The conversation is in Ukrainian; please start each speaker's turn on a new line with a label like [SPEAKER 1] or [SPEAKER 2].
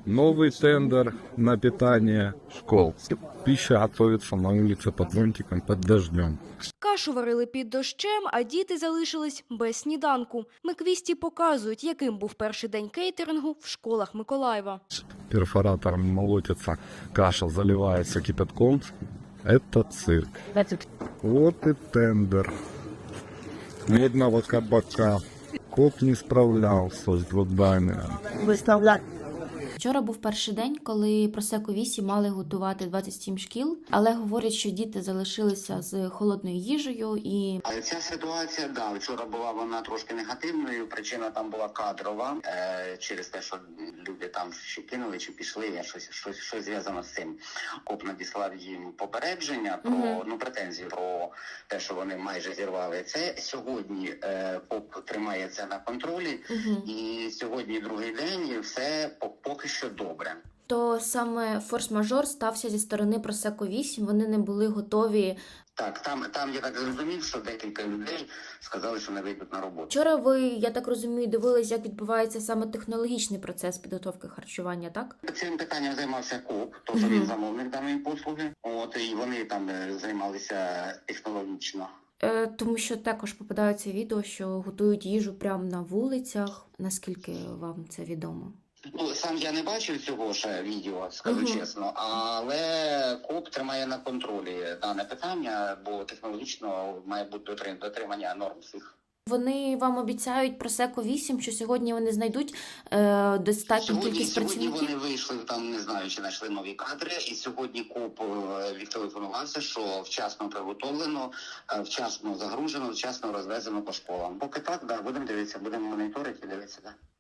[SPEAKER 1] Новый тендер на питание школ. Пища готовится на улице под зонтиком, под дождем.
[SPEAKER 2] Кашу варили під дощем, а діти залишились без сніданку. Миквісті показують, яким був перший день кейтерингу в школах Миколаєва.
[SPEAKER 1] Перфоратором молотится, каша заливается кипятком. Это цирк. Вот и тендер. Ни одного кабака. Коп не справлялся с заданням.
[SPEAKER 3] Вчора був перший день, коли Просеко 8 мали готувати 27 шкіл, але говорять, що діти залишилися з холодною їжею і...
[SPEAKER 4] Але ця ситуація, вчора була вона трошки негативною, причина там була кадрова, через те, що люди там чи кинули, чи пішли, щось зв'язано з цим. КОП надіслав їм попередження про, претензії про те, що вони майже зірвали це. Сьогодні КОП тримає це на контролі, і сьогодні другий день, і все поки що добре.
[SPEAKER 3] То саме форс-мажор стався зі сторони Просеко 8, вони не були готові.
[SPEAKER 4] Так, там я так зрозумів, що декілька людей сказали, що не вийдуть на роботу.
[SPEAKER 3] Вчора ви, я так розумію, дивились, як відбувається саме технологічний процес підготовки харчування, так?
[SPEAKER 4] Цим питанням займався КОП, тож він замовник даної послуги. І вони там займалися технологічно.
[SPEAKER 3] Тому що також попадаються відео, що готують їжу прямо на вулицях. Наскільки вам це відомо?
[SPEAKER 4] Сам я не бачив цього ще відео, скажу чесно, але КОП тримає на контролі дане питання, бо технологічно має бути дотримання норм всіх.
[SPEAKER 3] Вони вам обіцяють Просеко 8, що сьогодні вони знайдуть достатню кількість працівників?
[SPEAKER 4] Сьогодні вони вийшли, там не знаю, чи знайшли нові кадри, і сьогодні КОП відтелефонувався, що вчасно приготовлено, вчасно загружено, вчасно розвезено по школам. Поки так, будемо дивитися, будемо моніторити і дивитися,